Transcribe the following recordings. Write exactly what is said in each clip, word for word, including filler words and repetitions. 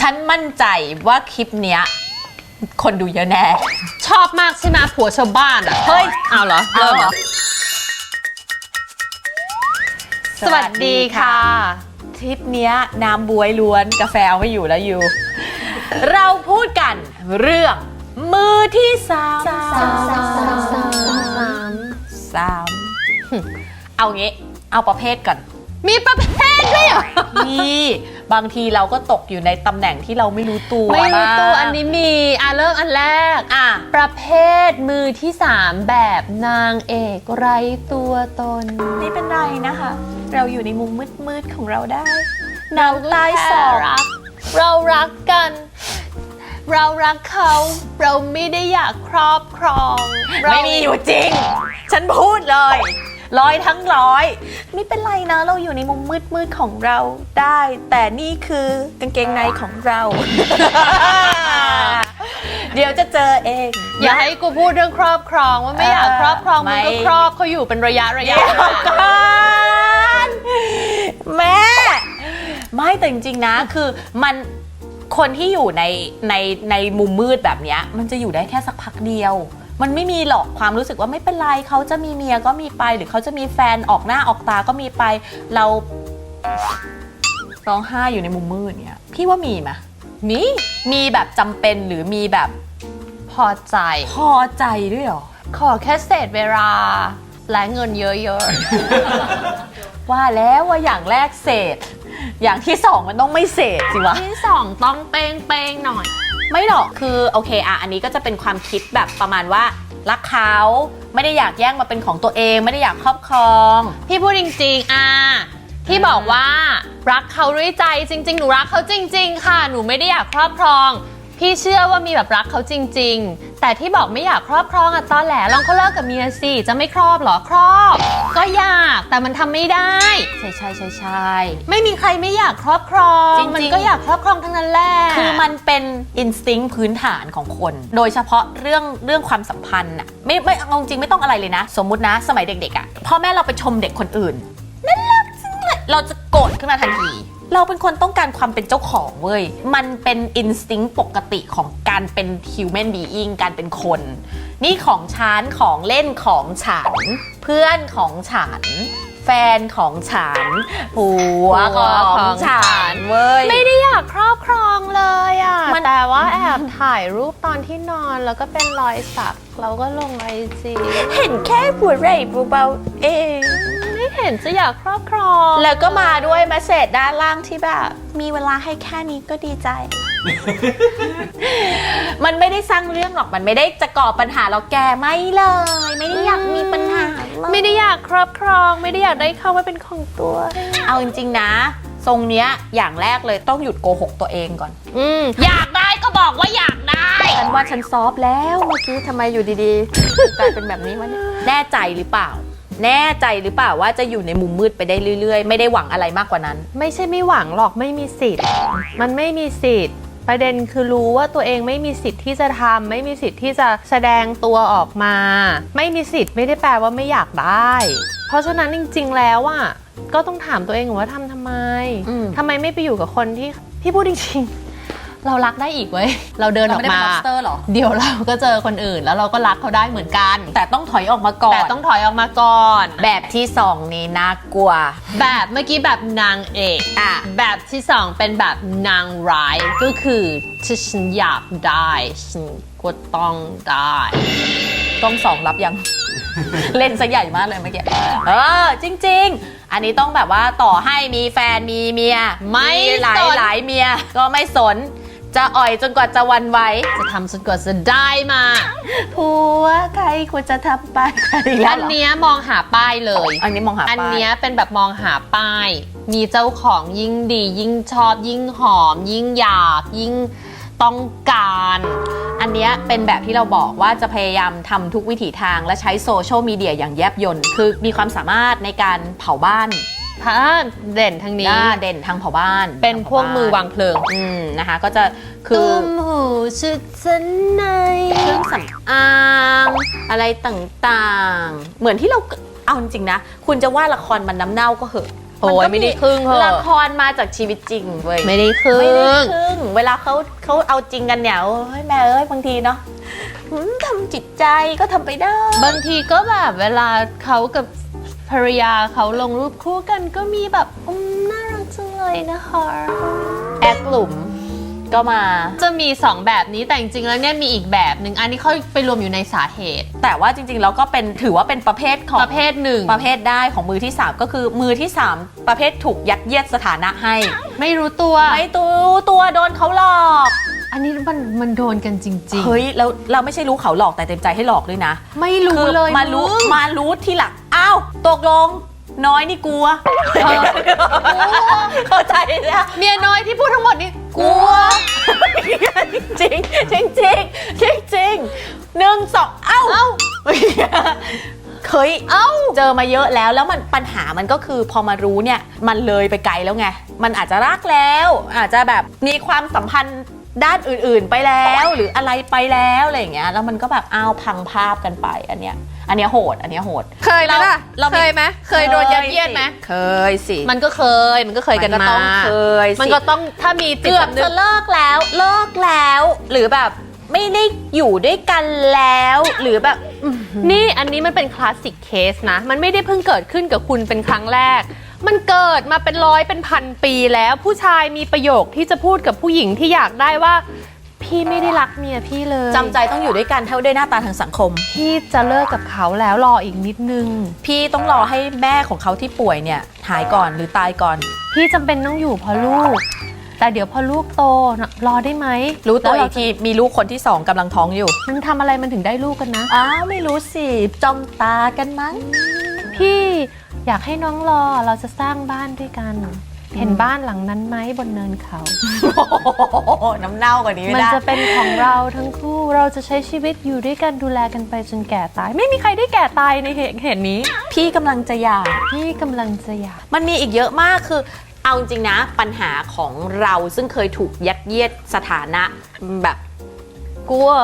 ฉันมั่นใจว่าคลิปเนี้ยคนดูเยอะแน่ชอบมากใช่ไหมผัวชาวบ้านอ่ะเฮ้ยเอาเหรอเริ่มเหรอสวัสดีค่ะทริปเนี้ยน้ำบวยล้วนกาแฟเอาไม่อยู่แล้วอยู่ เราพูดกันเรื่องมือที่สามสามสามสามเอางี้เอาประเภทก่อนมีประเภทด้วยเหรอนี่บางทีเราก็ตกอยู่ในตำแหน่งที่เราไม่รู้ตัวไม่รู้ตัวอันนี้มีอ่ะเริ่มอันแรกอ่ะประเภทมือที่สามแบบนางเอกไร้ตัวตนไม่เป็นไรนะคะเราอยู่ในมุมมืดๆของเราได้เราใต้สอรักเรารักกันเรารักเขาเราไม่ได้อยากครอบครองไม่มีอยู่จริงฉันพูดเลยร้อยทั้งร้อยไม่เป็นไรนะเราอยู่ในมุมมืดๆของเราได้แต่นี่คือกางเกงในของเรา เดี๋ยวจะเจอเองอย่าให้กูพูดเรื่องครอบครองว่าไม่อยากครอบครองมันก็ครอบเขาอยู่เป็นระยะระยะกันแม่ไม่แต่จริงๆนะคือมันคนที่อยู่ในในในมุมมืดแบบนี้มันจะอยู่ได้แค่สักพักเดียวมันไม่มีหรอกความรู้สึกว่าไม่เป็นไรเขาจะมีเมียก็มีไปหรือเขาจะมีแฟนออกหน้าออกตาก็มีไปเราร้องไห้อยู่ในมุมมืดเนี่ยพี่ว่ามีไหมมีมีแบบจำเป็นหรือมีแบบพอใจพอใจด้วยหรอขอแค่เศษเวลาและเงินเยอะๆ ว่าแล้วว่าอย่างแรกเศษอย่างที่สองมันต้องไม่เศษสิวะที่สองต้องเป้งเป้งหน่อยไม่หรอกคือโอเคอ่ะอันนี้ก็จะเป็นความคิดแบบประมาณว่ารักเขาไม่ได้อยากแย่งมาเป็นของตัวเองไม่ได้อยากครอบครองพี่พูดจริงๆอ่ะที่บอกว่ารักเขาด้วยใจจริงๆหนูรักเขาจริงๆค่ะหนูไม่ได้อยากครอบครองพี่เชื่อว่ามีแบบรักเขาจริงๆแต่ที่บอกไม่อยากครอบครองอะตอนแหลลองเขาเลิกกับเมียสิจะไม่ครอบหรอครอบก็อยากแต่มันทำไม่ได้ใช่ใช่ใช่ใช่ไม่มีใครไม่อยากครอบครองมันก็อยากครอบครองทั้งนั้นแหละคือมันเป็นอินสติ้งพื้นฐานของคนโดยเฉพาะเรื่องเรื่องความสัมพันธ์อะไม่ไม่เอาจริงไม่ต้องอะไรเลยนะสมมุตินะสมัยเด็กๆอะพ่อแม่เราไปชมเด็กคนอื่นน่ารักจังเลยเราจะโกรธขึ้นมาทันทีเราเป็นคนต้องการความเป็นเจ้าของเว้ยมันเป็นอินสติ้งปกติของการเป็น human being การเป็นคนนี่ของฉันของเล่นของฉันเพื่อนของฉันแฟนของฉันผัวของฉันเว้ยไม่ได้อยากครอบครองเลยอ่ะแต่ว่าแอบถ่ายรูปตอนที่นอนแล้วก็เป็นรอยสักเราก็ลงไอจีเห็นแค่หัวไหล่เบาๆเองไม่เห็นจะอยากครอบครองแล้วก็มาด้วยเมสเสจด้านล่างที่แบบมีเวลาให้แค่นี้ก็ดีใจ มันไม่ได้สร้างเรื่องหรอกมันไม่ได้จะก่อปัญหาเราแกไม่เลยไม่ได้อยากมีปัญหาไม่ได้อยากครอบครองไม่ได้อยากได้เข้ามาเป็นของตัวเอาจริงๆนะทรงเนี้ยอย่างแรกเลยต้องหยุดโกหกตัวเองก่อนอืมอยากได้ก็บอกว่าอยากได้ฉันว่าฉันซอฟแล้วเมื่อกี้ทำไมอยู่ดีๆกลายเป็นแบบนี้วะเนี่ยแน่ใจหรือเปล่าแน่ใจหรือเปล่าว่าจะอยู่ในมุมมืดไปได้เรื่อยๆไม่ได้หวังอะไรมากกว่านั้นไม่ใช่ไม่หวังหรอกไม่มีสิทธิ์มันไม่มีสิทธิ์ประเด็นคือรู้ว่าตัวเองไม่มีสิทธิ์ที่จะทำไม่มีสิทธิ์ที่จะแสดงตัวออกมาไม่มีสิทธิ์ไม่ได้แปลว่าไม่อยากได้เพราะฉะนั้นจริงๆแล้วอ่ะก็ต้องถามตัวเองว่าทำทำไมทำไมไม่ไปอยู่กับคนที่พี่พูดจริงๆเรารักได้อีกเว้ยเราเดินออกมาเดี๋ยวเราก็เจอคนอื่นแล้วเราก็รักเขาได้เหมือนกันแต่ต้องถอยออกมาก่อนแต่ต้องถอยออกมาก่อนแบบที่สองนี่น่ากลัวแบบเมื่อกี้แบบนางเอกอ่ะแบบที่สองเป็นแบบนางร้ายก็คือที่ฉันอยากได้ฉันก็ต้องได้ต้องสองรับยัง เล่นซะใหญ่มากเลยเมื่อกี้เออจริงๆอันนี้ต้องแบบว่าต่อให้มีแฟนมีเมียไม่หลายหลายเมียก็ไม่สนจะอ่อยจนกว่าจะวันไหวจะทำจนกว่าจะได้มาผัวใครควรจะทำไปอันเนี้ยมองหาป้ายเลยอันนี้มองหาป้ายอันเนี้ยเป็นแบบมองหาป้ายมีเจ้าของยิ่งดียิ่งชอบยิ่งหอมยิ่งอยากยิ่งต้องการอันเนี้ยเป็นแบบที่เราบอกว่าจะพยายามทำทุกวิถีทางและใช้โซเชียลมีเดียอย่างแยบยลคือมีความสามารถในการเผาบ้านพาเด่นทางนี้เด่นทางเผาบ้านเป็นพวกมือวางเพลิงอืมนะคะก็จะคือตุ้มหูชุดชั้นในเครื่องสำอางอะไรต่างๆเหมือนที่เราเอาจริงๆนะคุณจะว่าละครมันน้ำเน่าก็เหอะโอ้ยไม่ได้ครึ่งเหรอละครมาจากชีวิตจริงเว้ยไม่ได้ครึ่ไม่ได้งครึ่งเวลาเขาเขาเอาจริงกันเนี่ยโอ้ยแม่เอ้ยบางทีเนาะหืมทำจิตใจก็ทำไปได้บางทีก็แบบเวลาเขากับภรรยาเขาลงรูปคู่กันก็มีแบบอืมน่ารักจังเลยนะคะแอคหลุมก็มาจะมีสองแบบนี้แต่จริงๆแล้วเนี่ยมีอีกแบบหนึ่งอันนี้เขาไปรวมอยู่ในสาเหตุแต่ว่าจริงๆแล้วก็เป็นถือว่าเป็นประเภทของประเภทหนึ่งประเภทได้ของมือที่สามก็คือมือที่สามประเภทถูกยัดเยียดสถานะให้ไม่รู้ตัวไม่ตัวตัวโดนเขาหลอกอันนี้มันมันโดนกันจริงเฮ้ยแล้วเราไม่ใช่รู้เขาหลอกแต่เต็มใจให้หลอกด้วยนะๆ ไม่รู้คือเลยมารู้งมารู้ทีหลังอ้าวตกลงน้อยนี่กลัวเออเข้าใจนะเมียน้อยที่พูดทั้งหมดนี่กลัวจริงจริงจริงจริงจริงหนึ่งสองเอ้าเอ้าเคยเอ้าเจอมาเยอะแล้วแล้วมันปัญหามันก็คือพอมารู้เนี่ยมันเลยไปไกลแล้วไงมันอาจจะรักแล้ว อาจจะแบบมีความสัมพันธ์ด้านอื่นๆไปแล้ว หรืออะไรไปแล้วอะไรอย่างเงี้ยแล้วมันก็แบบอ้าวพังภาพกันไปอันเนี้ยอันเนี้ยโหดอันเนี้ยโหดเคยไหมล่ะเราเคยไหมเคยโดนยัดเยียดไหมเคยสิมันก็เคยมันก็เคยกันก็มาต้องเคยสิมันก็ต้องถ้ามีจิตเกือบสำนึจะกเลิกแล้วเลิกแล้ว หรือแบบไม่ได้อยู่ด้วยกันแล้วหรือแบบอื้อหือนี่อันนี้มันเป็นคลาสสิกเคสนะ มันไม่ได้เพิ่งเกิดขึ้นกับคุณเป็นครั้งแรก มันเกิดมาเป็นร้อยเป็นพันปีแล้วผู้ชายมีประโยคที่จะพูดกับผู้หญิงที่อยากได้ว่า พี่ไม่ได้รักเมียพี่เลยจำใจต้องอยู่ด้วยกันเท่าด้วยหน้าตาทางสังคมพี่จะเลิกกับเขาแล้วรออีกนิดนึงพี่ต้องรอให้แม่ของเขาที่ป่วยเนี่ยหายก่อนหรือตายก่อนพี่จำเป็นต้องอยู่เพราะลูก แต่เดี๋ยวพอลูกโตนะรอได้ไหมรู้ตัวแล้อีเรากทีมีลูกคนที่สองกำลังท้องอยู่มันทำอะไรมันถึงได้ลูกกันนะอ้าวไม่รู้สิจ้องตากันมั้งพี่อยากให้น้องรอเราจะสร้างบ้านด้วยกัน เห็นบ้านหลังนั้นไหมบนเนินเขาโอ้โหน้ำเน่ากว่านี้ไม่มันได้จะเป็นของเราทั้งคู่เราจะใช้ชีวิตอยู่ด้วยกันดูแลกันไปจนแก่ตาย ไม่มีใครได้แก่ตายในเหตุเหตุนี้พี่กำลังจะหย่าพี่กำลังจะอยากมันมีอีกเยอะมากคือเอาจริงๆนะปัญหาของเราซึ่งเคยถูกยัดเยียดสถานะแบบกลัว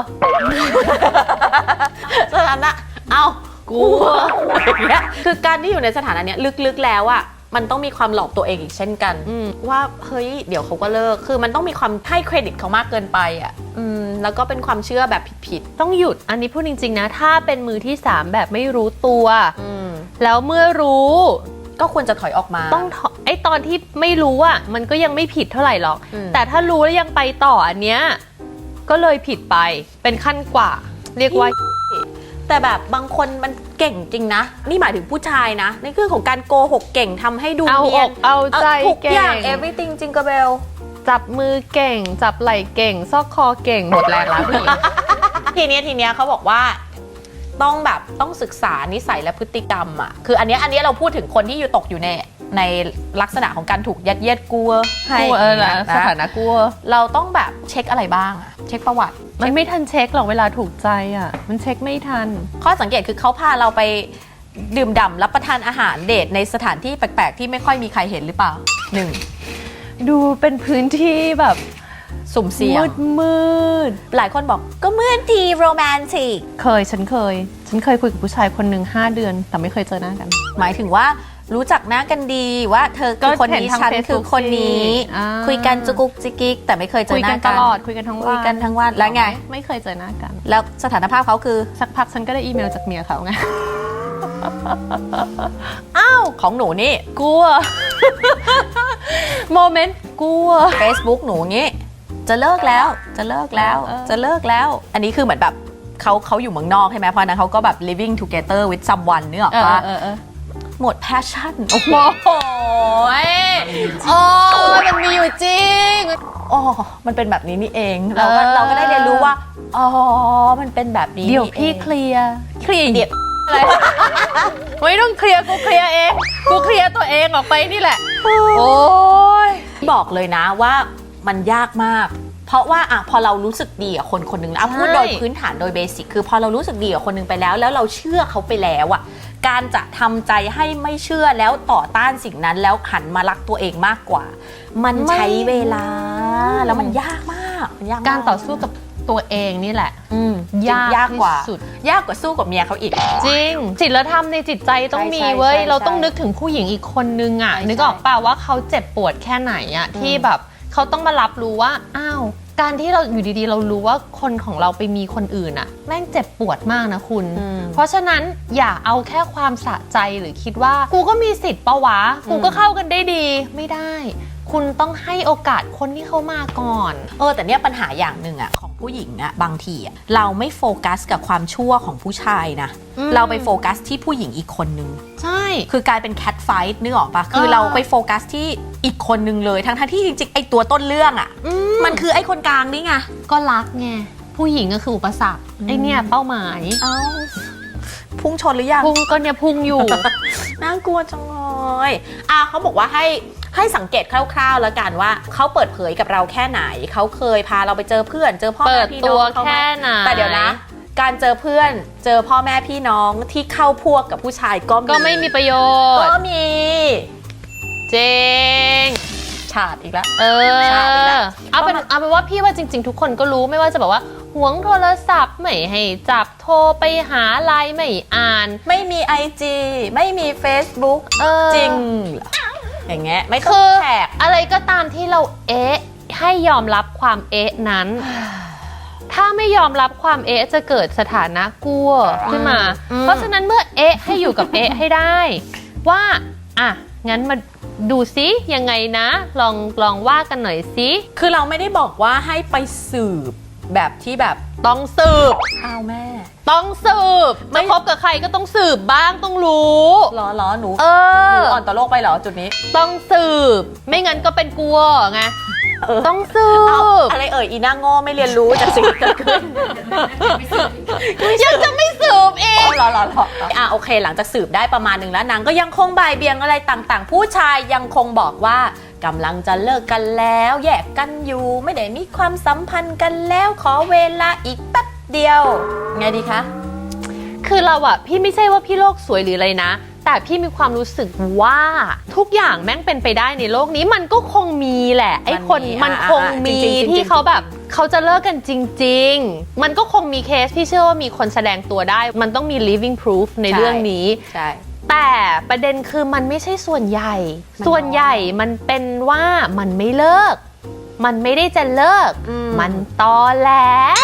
สถานะเอ้ากลัวอย่างเงี้ยคือการที่อยู่ในสถานะเนี้ยลึกๆแล้วอะมันต้องมีความหลอกตัวเองอีกเช่นกันอืมว่าเฮ้ยเดี๋ยวเขาก็เลิกคือมันต้องมีความให้เครดิตเขามากเกินไปอะอืมแล้วก็เป็นความเชื่อแบบผิดต้องหยุดอันนี้พูดจริงๆนะ ถ้าเป็นมือที่สามแบบไม่รู้ตัวๆอืมแล้วเมื่อรู้ก็ควรจะถอยออกมาต้องถอไอ้ตอนที่ไม่รู้อ่ะมันก็ยังไม่ผิดเท่าไหร่หรอกอืมแต่ถ้ารู้แล้วยังไปต่ออันเนี้ยก็เลยผิดไปเป็นขั้นกว่า เรียกว่าแต่แบบบางคนมันเก่งจริงนะ นี่หมายถึงผู้ชายนะในเรื่องของการโกหกเก่งทำให้ดูเอาเนีอยนกเอาใจเอ่อทุกเก่อย่างง everything จริงกระเบลจับมือเก่ง จับไหล่เก่ง ซอกคอเก่งหมดแรงแล้วพี่ทีเนี้ยทีเนี้ยเขาบอกว่าต้องแบบต้องศึกษานิสัยและพฤติกรรมอ่ะคืออันเนี้ยอันเนี้ยเราพูดถึงคนที่อยู่ตกอยู่ในในลักษณะของการถูกยัดเยียดกลัวให้กลัวเออนะนะสถานะกลัวเราต้องแบบเช็คอะไรบ้างอะเช็คประวัติมันไม่ทันเช็คหรอกเวลาถูกใจอ่ะ มันเช็คไม่ทันข้อสังเกตคือเขาพาเราไปดื่มด่ำรับประทานอาหารเดทในสถานที่แปลกๆ ที่ไม่ค่อยมีใครเห็นหรือเปล่าหนึ่งดูเป็นพื้นที่แบบสุ่มเสี่ยมืงดมืดหลายคนบอกก็เหมือนทีโรแมนติกเคยฉันเคย ฉันเคยคุยกับผู้ชายคนหนึ่งห้าเดือน แต่ไม่เคยเจอหน้ากันหมายถึงว่ารู้จักหน้ากันดีว่าเธอคือคนนี้ก็เห็นทางฉัน Facebook คือคนนี้สิอ่าคุยกันจุกุกจิกิกแต่ไม่เคยเจคุอย หกัน้านตกันลอดคุยกันทั้งวันคุยกันทั้งวันแล้วไงไม่เคยเจอหน้ากันแล้วสถานภาพเขาคือสักพักฉันก็ได้อีเมลจากเมียเขาไงอ้าวของหนูนี่กลัว โมเมนต์กลัว Facebook หนูงี้ จะเลิกแล้วจะเลิกแล้วเออจะเลิกแล้ว อันนี้คือเหมือนแบบเขาเขาอยู่เมืองนอกใช่ไหมเพราะฉะนั้นเขาก็แบบ living together with someone เนื้ออกเออปะเออเออหมด passion โอ้โหโอ้ยมันมีอยู่จริงอ๋อมันเป็นแบบนี้นี่เอง เราก็เออเราก็ได้เรียนรู้ว่า อ๋อ มันเป็นแบบนี้เดี๋ยวนี่พี่องเคลียร์เคลียร์เดี๋ยวอะไรไม่ต้องเคลียร์กูเคลียร์เองกูเคลียร์ตัวเองออกไปนี่แหละ โอ้ยบอกเลยนะว่ามันยากมาก เพราะว่าอะพอเรารู้สึกดีกับคนคนหนึ่งแล้วอ่ะพูดโดยพื้นฐานโดยเบสิกคือพอเรารู้สึกดีกับคนหนึ่งไปแล้ว แล้วเราเชื่อเขาไปแล้วอะการจะทำใจให้ไม่เชื่อแล้วต่อต้านสิ่งนั้นแล้วหันมารักตัวเองมากกว่า มันใช้เวลาแล้วมันยากมากมันยากมการต่อสู้กับตัวเองนี่แหละอืมยากยากกว่าที่สุดยากกว่าสู้กับเมียเขาอีกจริงศีลธรรมในจิตใจต้องมีใช่เว้ยใช่เราต้องใช่นึกถึงผู้หญิงอีกคนนึงอ่ะใช่นึกออกป่าว่าเขาเจ็บปวดแค่ไหนอ่ะที่แบบเขาต้องมารับรู้ว่าอ้าวการที่เราอยู่ดีๆ เรารู้ว่าคนของเราไปมีคนอื่นอ่ะแม่งเจ็บปวดมากนะคุณอืมเพราะฉะนั้นอย่าเอาแค่ความสะใจหรือคิดว่ากูก็มีสิทธิ์ปะวะกูก็เข้ากันได้ดีไม่ได้ คุณต้องให้โอกาสคนที่เขามาก่อนเออแต่เนี่ยปัญหาอย่างหนึ่งอะของผู้หญิงอะบางทีอะเราไม่โฟกัสกับความชั่วของผู้ชายนะอืมเราไปโฟกัสที่ผู้หญิงอีกคนนึงใช่คือกลายเป็นแคทไฟท์นึกออกปะคือเออเราไปโฟกัสที่อีกคนนึงเลยทั้งๆที่จริงๆไอตัวต้นเรื่องอะอืมันคือไอคนกลางนี่ไงก็รักไงผู้หญิงก็คืออุปสรรคอืมไอเนี่ยเป้าหมายเอ้าพุ่งชนหรือยังพุงก็เนี่ยพุงอยู่น่ากลัวจังเลยอ่ะเขาบอกว่าให้ให้สังเกตคร่าวๆแล้วกันว่าเขาเปิดเผยกับเราแค่ไหนเขาเคยพาเราไปเจอเพื่อนเจอพ่อเปิแม่ดพี่ตัน้วองเขาไหมแค่ไหนแต่เดี๋ยวนะ การเจอเพื่อนเจอพ่อแม่พี่น้องที่เข้าพวกกับผู้ชายก็ก็ไม่มีประโยชก็น์มีเจงฉาดอีกแล้วเออใช่นะเอาเป็นเอาเป็นว่าพี่ว่าจริง ๆ ทุกคนก็รู้ไม่ว่าจะแบบว่าหวงโทรศัพท์ไม่ให้จับโทรไปหาไลน์ไม่อ่านไม่มี ไอ จี ไม่มี Facebook เออจริงเหรออย่างเงี้ยไม่ต้คือ องแท็กอะไรก็ตามที่เราเอ๊ะให้ยอมรับความเอ๊ะนั้น ถ้าไม่ยอมรับความเอ๊ะจะเกิดสถานะกลัวขึ้นมาอืมเพราะฉะนั้นเมื่อเอ๊ะให้อยู่กับเอ๊ะให้ได้ ว่าอ่ะงั้นมาดูซิยังไงนะ ลองลองว่ากันหน่อยซิคือเราไม่ได้บอกว่าให้ไปสืบแบบที่แบบต้องสืบอ้าวแม่ต้องสืบไม่จะคบกับใครก็ต้องสืบบ้างต้องรู้ล้อล้อหนูเอหนูออ่อนต่อโลกไปเหรอจุดนี้ต้องสืบ ไม่งั้นก็เป็นกลัวไงเออต้องสืเอาบอะไรเอ่ยอีน่าโง่ไม่เรียนรู้จากสิ่งที่เกิดขึ้นยังจะไม่สืบอีกอ๋อเหรอเหรอเหรออ่ะโอเค หลังจากสืบได้ประมาณหนึ่งแล้วนางก็ยังคงบ่ายเบียงอะไรต่างๆ ผู้ชายยังคงบอกว่ากำลังจะเลิกกันแล้วแยกกันอยู่ไม่ได้มีความสัมพันธ์กันแล้วขอเวลาอีกแป๊บเดียวไงดีคะคือเราอะพี่ไม่ใช่ว่าพี่โลกสวยหรืออะไรนะ แต่พี่มีความรู้สึกว่าทุกอย่างแม่งเป็นไปได้ในโลกนี้มันก็คงมีแหละไอ้คนมันมีมันคงอ่ะมีจริงๆจริงๆที่เขาแบบเขาจะเลิกกันจริง ๆ มันก็คงมีเคสที่เชื่อว่ามีคนแสดงตัวได้ มันต้องมี living proof ในเรื่องนี้ใช่แต่ประเด็นคือมันไม่ใช่ส่วนใหญ่มันน้อยส่วนใหญ่มันเป็นว่ามันไม่เลิก มันไม่ได้จะเลิกอืมมันตอแหล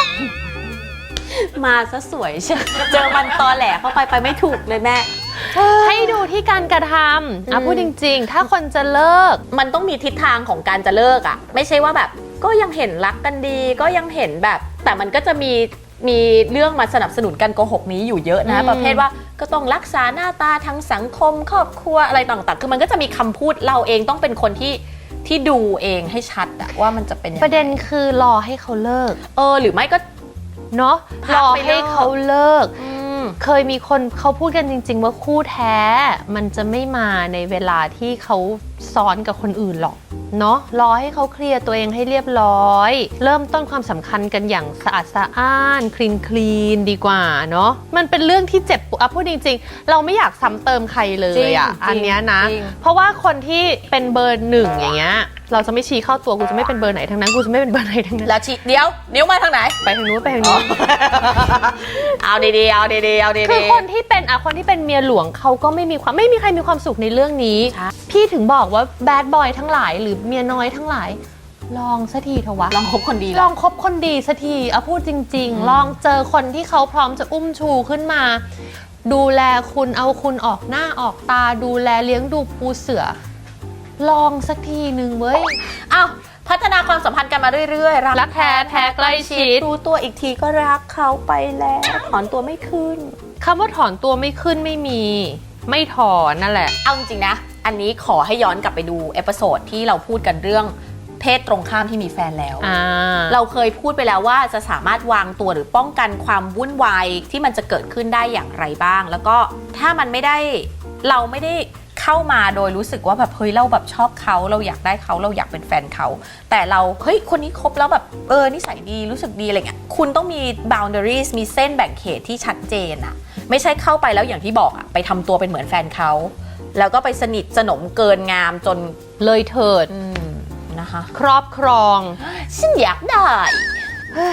มาซะสวยเชียวเจอมันตอแหลเข้าไปไปไม่ถูกเลยแม่ให้ดูที่การกระทำอ่ะอืมพูดจริงๆ ถ้าคนจะเลิกมันต้องมีทิศทางของการจะเลิกอ่ะ ไม่ใช่ว่าแบบก็ยังเห็นรักกันดี ก็ยังเห็นแบบ แต่มันก็จะมีมีเรื่องมาสนับสนุนการโกหกนี้อยู่เยอะนะอืมประเภทว่าก็ต้องรักษาหน้าตาทางสังคมครอบครัวอะไรต่างๆ คือมันก็จะมีคำพูดเราเองต้องเป็นคนที่ที่ดูเองให้ชัดอะว่ามันจะเป็นยังไงประเด็นคือรอให้เขาเลิกเออหรือไม่ก็เนาะพัรกอไปเลิกให้เขาเลิกอืมเคยมีคนเขาพูดกันจริง ๆ ว่าคู่แท้ มันจะไม่มาในเวลาที่เขาซ้อนกับคนอื่นหรอกเนาะรอให้เขาเคลียร์ตัวเองให้เรียบร้อย เริ่มต้นความสำคัญกันอย่างสะอาดสะอ้านคลีนคลีนดีกว่าเนาะมันเป็นเรื่องที่เจ็บปวดอ่ะพูดจริง ๆ เราไม่อยากซ้ำเติมใครเลยอ่ะจริงอันเนี้ยนะจริงเพราะว่าคนที่เป็นเบอร์หนึ่งอย่างเงี้ยเราจะไม่ชี้เข้าตัวกูจะไม่เป็นเบอร์ไหนทั้งนั้นกูจะไม่เป็นเบอร์ไหนทั้งนั้นแล้วชี้เดี๋ยวนิ้วมาทางไหนไปทางนู้นไปทางนู้นเอาดีๆเอาดีๆเอาดีๆคือคนที่เป็นอ่ะคนที่เป็นเมียหลวงเขาก็ไม่มีความไม่มีใครมีความสุขในเรื่องนี้ใช่พี่ถึงบอกว่าแบดบอยทั้งหลายหรือเมียน้อยทั้งหลาย ลองสักทีเถอะวะลองคบคนดีลแล้อวงคบคนดีสักทีเอาพูดจริงอืมๆ ลองเจอคนที่เขาพร้อมจะอุ้มชูขึ้นมา ดูแลคุณเอาคุณออกหน้าออกตาดูแลเลี้ยงดูปูเสือ ลองสักทีหนึ่งเว้ยอ้าวพัฒนาความสัมพันธ์กันมาเรื่อยๆรักแท้แท้ใกล้ชิดรู้ตัวอีกทีก็รักเขาไปแล้วถอนตัวไม่ขึ้นคำว่าถอนตัวไม่ขึ้นไม่มี ไม่ถอนนั่นแหละเอาจริงๆนะ อันนี้ขอให้ย้อนกลับไปดูเอพิโซดที่เราพูดกันเรื่องเพศตรงข้ามที่มีแฟนแล้วอ่าเราเคยพูดไปแล้วว่าจะสามารถวางตัวหรือป้องกันความวุ่นวายที่มันจะเกิดขึ้นได้อย่างไรบ้าง แล้วก็ถ้ามันไม่ได้เราไม่ได้เข้ามาโดยรู้สึกว่าแบบเฮ้ยเราแบบชอบเขาเราอยากได้เขาเราอยากเป็นแฟนเขาแต่เราเฮ้ยคนนี้คบแล้วแบบเออนิสัยดีรู้สึกดีอะไรเงี้ยคุณต้องมี boundaries มีเส้นแบ่งเขตที่ชัดเจนอะไม่ใช่เข้าไปแล้วอย่างที่บอกอะไปทำตัวเป็นเหมือนแฟนเขาแล้วก็ไปสนิทสนมเกินงามจนเลยเถิดอืมนะคะครอบครองฉันอยากได้เฮ้ย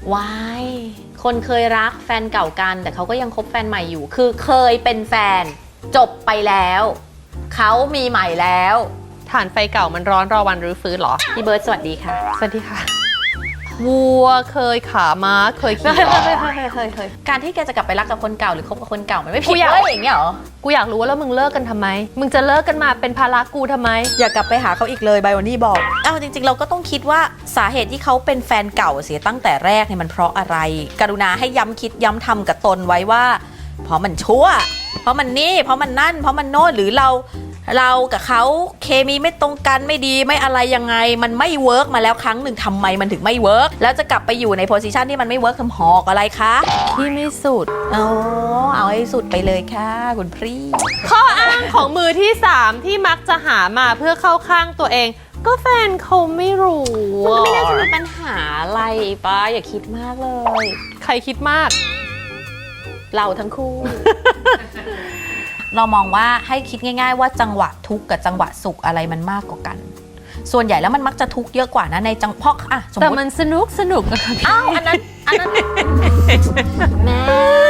วายคนเคยรักแฟนเก่ากันแต่เขาก็ยังคบแฟนใหม่อยู่ คือเคยเป็นแฟนจบไปแล้วเขามีใหม่แล้วถ่านไฟเก่ามันร้อนรอวันรื้อฟื้นเหรอพี่เบิร์ดสวัสดีค่ะสวัสดีค่ะวัวเคยขาม้าเคยขี่เคยเคยเคยเคยการที่แกจะกลับไปรักกับคนเก่าหรือคบกับคนเก่ามันไม่ผิดเลยอย่างเงี้ยหรอกูอยากรู้ว่าแล้วมึงเลิกกันทำไมมึงจะเลิกกันมาเป็นภาระกูทำไมอย่ากลับไปหาเขาอีกเลยไบวันนี่บอกอ้าวจริงๆเราก็ต้องคิดว่าสาเหตุที่เขาเป็นแฟนเก่าเสียตั้งแต่แรกเนี่ยมันเพราะอะไรกรุณาให้ย้ำคิดย้ำทำกับตนไว้ว่าเพราะมันชั่วเพราะมันนี่เพราะมันนั่นเพราะมันโน่นหรือเราเรากับเขาเคมีไม่ตรงกันไม่ดีไม่อะไรยังไงมันไม่เวิร์กมาแล้วครั้งหนึ่งทำไมมันถึงไม่เวิร์กแล้วจะกลับไปอยู่ในโพสิชันที่มันไม่เวิร์กทำหอกอะไรคะที่ไม่สุดอ๋อเอาให้สุดไปเลยค่ะคุณพี่ข้ออ้างของมือที่สามที่มักจะหามาเพื่อเข้าข้างตัวเองก็แฟนเขาไม่รู้มันไม่น่าจะมีปัญหาอะไรป้าอย่าคิดมากเลยใครคิดมากเราทั้งคู่ เรามองว่าให้คิดง่ายๆว่าจังหวะทุกข์กับจังหวะสุขอะไรมันมากกว่ากันส่วนใหญ่แล้วมันมักจะทุกข์เยอะกว่านะในจังเพราะอ่ะสมมติแต่มันสนุกสนุกอ้าวอันนั้นอันนั้นแม่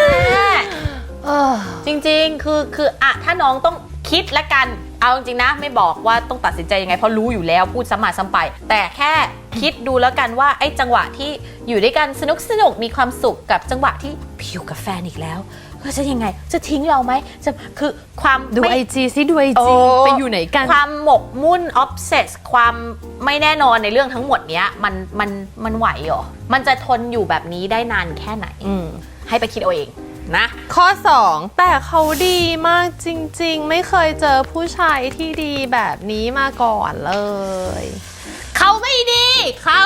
จริงๆคือคืออ่ะถ้าน้องต้องคิดละกันเอาจริงๆนะไม่บอกว่าต้องตัดสินใจยังไงเพราะรู้อยู่แล้วพูดซ้ำมาซ้ำไปแต่แค่คิดดูแล้วกันว่าไอ้จังหวะที่อยู่ด้วยกันสนุกสนุกมีความสุขกับจังหวะที่ผิวกับแฟนอีกแล้วจะยังไงจะทิ้งเราไหมจะคือความดูไอจีซิดูไอจีไปอยู่ไหนกันความหมกมุ่นออฟเซสความไม่แน่นอนในเรื่องทั้งหมดเนี้ยมันมันมันไหวเหรอมันจะทนอยู่แบบนี้ได้นานแค่ไหนให้ไปคิดเอาเองนะข้อสองแต่เขาดีมากจริงๆไม่เคยเจอผู้ชายที่ดีแบบนี้มาก่อนเลยเขาไม่ดีเขา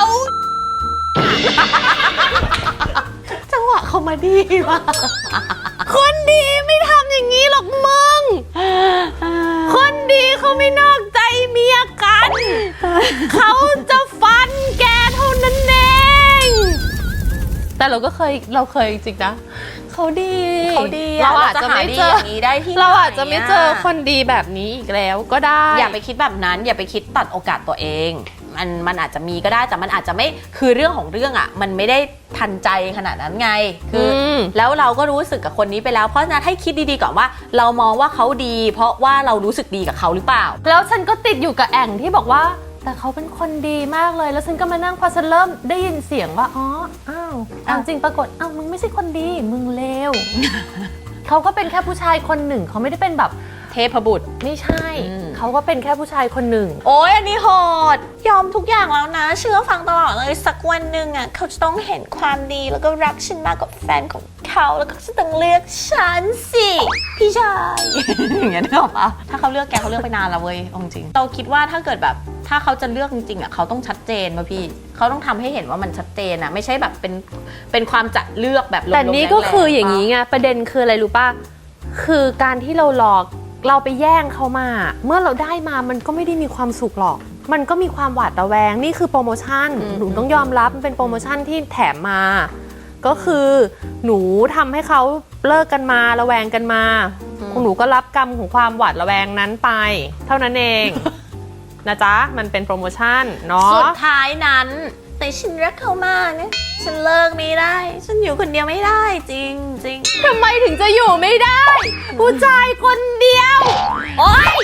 จังหวะเขามาดีมากคนดีไม่ทำอย่างนี้หรอกมึงคนดีเขาไม่นอกใจเมียกันเขาจะฟันแกเท่านั้นเองแต่เราก็เคยเราเคยจริงนะเขาดีเขาดีเราอาจจะไม่เจอเราอาจจะไม่เจอคนดีแบบนี้อีกแล้วก็ได้อย่าไปคิดแบบนั้นอย่าไปคิดตัดโอกาสตัวเองมันมันอาจจะมีก็ได้แต่มันอาจจะไม่คือเรื่องของเรื่องอ่ะมันไม่ได้ทันใจขนาดนั้นไงคือแล้วเราก็รู้สึกกับคนนี้ไปแล้วเพราะฉะนั้นให้คิดดีๆก่อนว่าเรามองว่าเขาดีเพราะว่าเรารู้สึกดีกับเขาหรือเปล่าแล้วฉันก็ติดอยู่กับแองที่บอกว่าแต่เขาเป็นคนดีมากเลยแล้วฉันก็มานั่งพอฉันเริ่มได้ยินเสียงว่าอ๋ออ้าวจริงปรากฏอ้าวมึงไม่ใช่คนดีมึงเลว เขาก็เป็นแค่ผู้ชายคนหนึ่งเขาไม่ได้เป็นแบบเทพบุตรไม่ใช่เขาก็เป็นแค่ผู้ชายคนหนึ่งโอ้ยอันนี้โหดยอมทุกอย่างแล้วนะเชื่อฟังตลอดเลยสักวันหนึ่งอ่ะเขาจะต้องเห็นความดีแล้วก็รักฉันมากกว่าแฟนของเขาแล้วก็จะต้องเลือกฉันสิพี่ชายอย่างเงี้ยนึกออกปะถ้าเขาเลือกแกเขาเลือกไปนานแล้วเว้ยจริงเราคิดว่าถ้าเกิดแบบถ้าเขาจะเลือกจริงๆอ่ะเขาต้องชัดเจนป่ะพี่เขาต้องทำให้เห็นว่ามันชัดเจนอ่ะไม่ใช่แบบเป็นเป็นความจัดเลือกแบบแต่นี่ก็คืออย่างนี้ไงประเด็นคืออะไรรู้ป่ะคือการที่เราหลอกเราไปแย่งเขามาเมื่อเราได้มามันก็ไม่ได้มีความสุขหรอกมันก็มีความหวาดระแวงนี่คือโปรโมชั่นหนูต้องยอมรับมันเป็นโปรโมชั่นที่แถมมาก็คือหนูทำให้เขาเลิกกันมาระแวงกันมาหนูก็รับกรรมของความหวาดระแวงนั้นไปเท่านั้นเองนะจ๊ะมันเป็นโปรโมชั่นเนาะสุดท้ายนั้นแต่ฉันรักเขามากเนี่ยฉันเลิกไม่ได้ฉันอยู่คนเดียวไม่ได้จริงจริงทำไมถึงจะอยู่ไม่ได้ผู้ชายคนเดียวโอ๊ย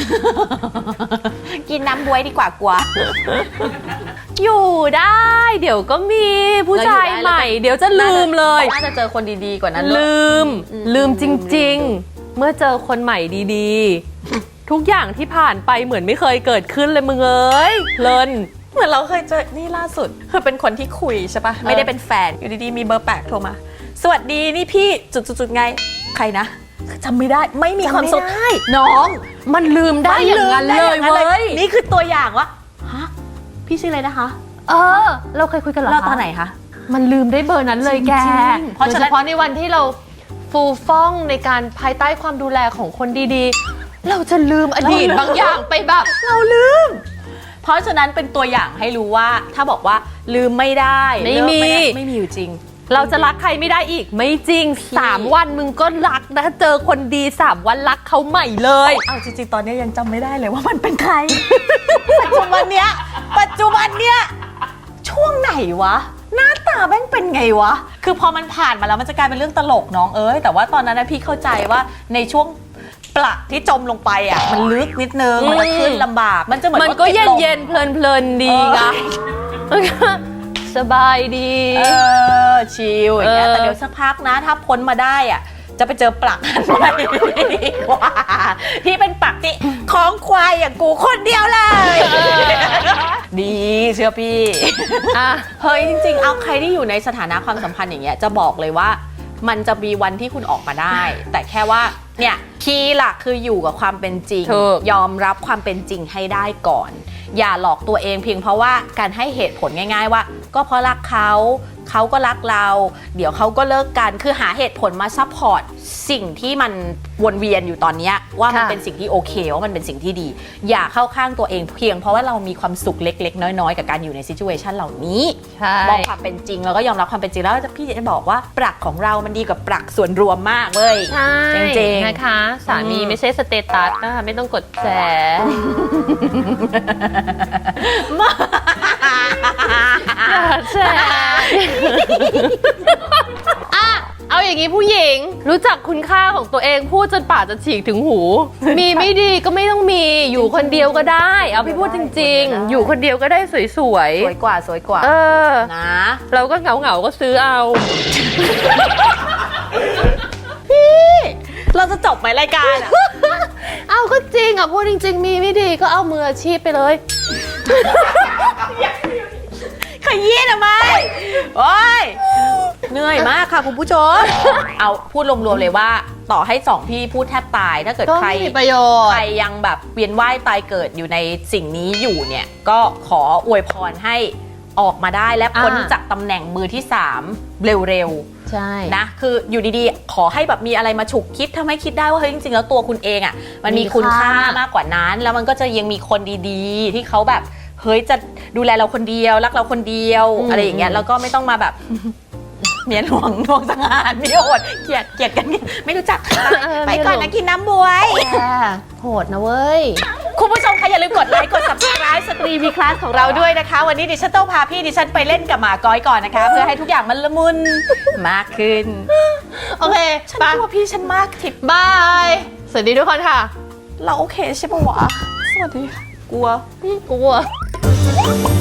กินน้ำบ๊วยดีกว่ากลัวอยู่ได้เดี๋ยวก็มีผู้ชายใหม่เดี๋ยวจะลืมเลยน่าจะเจอคนดีๆกว่านั้นลืมลืมจริงๆเมื่อเจอคนใหม่ดีๆทุกอย่างที่ผ่านไปเหมือนไม่เคยเกิดขึ้นเลยมึงเอ้ยเลินเหมือนเราเคยเจอนี่ล่าสุดคือเป็นคนที่คุยใช่ปะไม่ได้เป็นแฟนอยู่ดีๆมีเบอร์แปลกโทรมาสวัสดีนี่พี่จุดๆๆไงใครนะจำไม่ได้ไม่มีความสุขน้องมันลืมได้อย่างนั้นเลยเว้ยนี่คือตัวอย่างว่าฮะพี่ชื่ออะไรนะคะเออเราเคยคุยกันเหรอเราตอนไหนคะมันลืมได้เบอร์นั้นเลยแกเพราะเฉพาะในวันที่เราฟูฟ่องในการภายใต้ความดูแลของคนดีๆเราจะลืมอดีตบางอย่างไปแบบเราลืมเพราะฉะนั้นเป็นตัวอย่างให้รู้ว่าถ้าบอกว่าลืมไม่ได้ไม่มีไม่มีอยู่จริงเราจะรักใครไม่ได้อีกไม่จริงสามวันมึงก็รักนะเจอคนดีสามวันรักเขาใหม่เลยเอาจริงๆตอนนี้ยังจำไม่ได้เลยว่ามันเป็นใคร ปัจจุบันเนี้ยปัจจุบันเนี้ยช่วงไหนวะหน้าตาาแม่งเป็นไงวะ คือพอมันผ่านมาแล้วมันจะกลายเป็นเรื่องตลกน้องเอ้ยแต่ว่าตอนนั้นนะพี่เข้าใจว่าในช่วงปลักที่จมลงไปอ่ะมันลึกนิดนึงมันจะขึ้นลำบากมันจะเหมือนมันก็รถติเย็ดนลมเย็นเพลินเพลินๆดีไงมันก็สบายดีเออชิลอย่างเงี้ยเออแต่เดี๋ยวสักพักนะถ้าพ้นมาได้อ่ะจะไปเจอปลักอันใหม่ดีกว่าที่เป็นปลักที่ของควายอย่างกูคนเดียวเลย ดีเชื่อพี่อ่ะเฮ้ยจริงๆ เอาใครที่อยู่ในสถานะความสัมพันธ์อย่างเงี้ยจะบอกเลยว่ามันจะมีวันที่คุณออกมาได้ แต่แค่ว่าเนี่ยคีย์หลักคืออยู่กับความเป็นจริงถูกยอมรับความเป็นจริงให้ได้ก่อน อย่าหลอกตัวเองเพียงเพราะว่าการให้เหตุผลง่ายๆว่า ก็เพราะรักเขาเขาก็รักเรา เดี๋ยวเขาก็เลิกกันคือหาเหตุผลมาซัพพอร์ตสิ่งที่มันวนเวียนอยู่ตอนเนี้ยว่ามันค่ะเป็นสิ่งที่โอเคว่ามันเป็นสิ่งที่ดี อย่าเข้าข้างตัวเองเพียงเพราะว่าเรามีความสุขเล็กๆ น้อยๆ กับการอยู่ในซิจูเอชันเหล่านี้ใช่มองความเป็นจริงแล้วก็ยอมรับความเป็นจริงแล้วพี่จะบอกว่าปรักของเรามันดีกว่าปรักส่วนรวมมากเว้ยใช่จริงๆนะคะ สามีอืมไม่ใช่สเตตัสนะคะไม่ต้องกดแชร์ อย่าแชร์อ่ะเอาอย่างนี้ผู้หญิงรู้จักคุณค่าของตัวเองพูดจนปากจะฉีกถึงหู มีไม่ดีก็ไม่ต้องมีอยู่คนเดียวก็ได้ เอาพี่พูดจริง ๆ อยู่คนเดียวก็ได้สวยสวยกว่าสวยกว่าๆเออนะเราก็เหงาเหงาๆก็ซื้อเอาเราจะจบไหมรายการอะเอาก็จริงอ่ะพูดจริง ๆ มีไม่ดีก็เอามืออาชีพไปเลยขยี้ทำไมโอ้ยเหนื่อยมากค่ะคุณผู้ชม เอาพูดรวมๆเลยว่าต่อให้สองพี่พูดแทบตายถ้าเกิดก็ใครไม่มีประโยชน์ใครยังแบบเวียนว่ายตายเกิดอยู่ในสิ่งนี้อยู่เนี่ยก็ขออวยพรให้ออกมาได้และพ้นอ่าจากตำแหน่งมือที่สามเร็วๆใช่นะคืออยู่ดีๆ ขอให้แบบมีอะไรมาฉุกคิดทำให้คิดได้ว่าเฮ้ยจริงๆแล้วตัวคุณเองอะ่ะมันมีมีคุณค่าค่ามมากกว่านั้น แล้วมันก็จะยังมีคนดีๆ ที่เขาแบบเฮ้ยจะดูแลเราคนเดียวรักเราคนเดียวอะไรอย่างเงี้ยแล้วก็ไม่ต้องมาแบบ เมียหลวงหลวงสังหารเมียโหดเกลียดเกลียดกันไม่รู้จักไปก่อนนะกินน้ำบวยแย่โหดนะเว้ยคุณผู้ชมคะอย่าลืมกดไลค์กด subscribe สตรีวีคลาสของเราด้วยนะคะ วันนี้ดิฉันต้องพาพี่ดิฉันไปเล่นกับหมาก้อยก่อนนะคะ เพื่อให้ทุกอย่างมันละมุนมากขึ้นโอเคฉันไปกลัวพี่ฉันมากทิปบาย สวัสดีทุกคนค่ะเราโอเคใช่ปะวะ สวัสดีค่ะ กลัวกลัว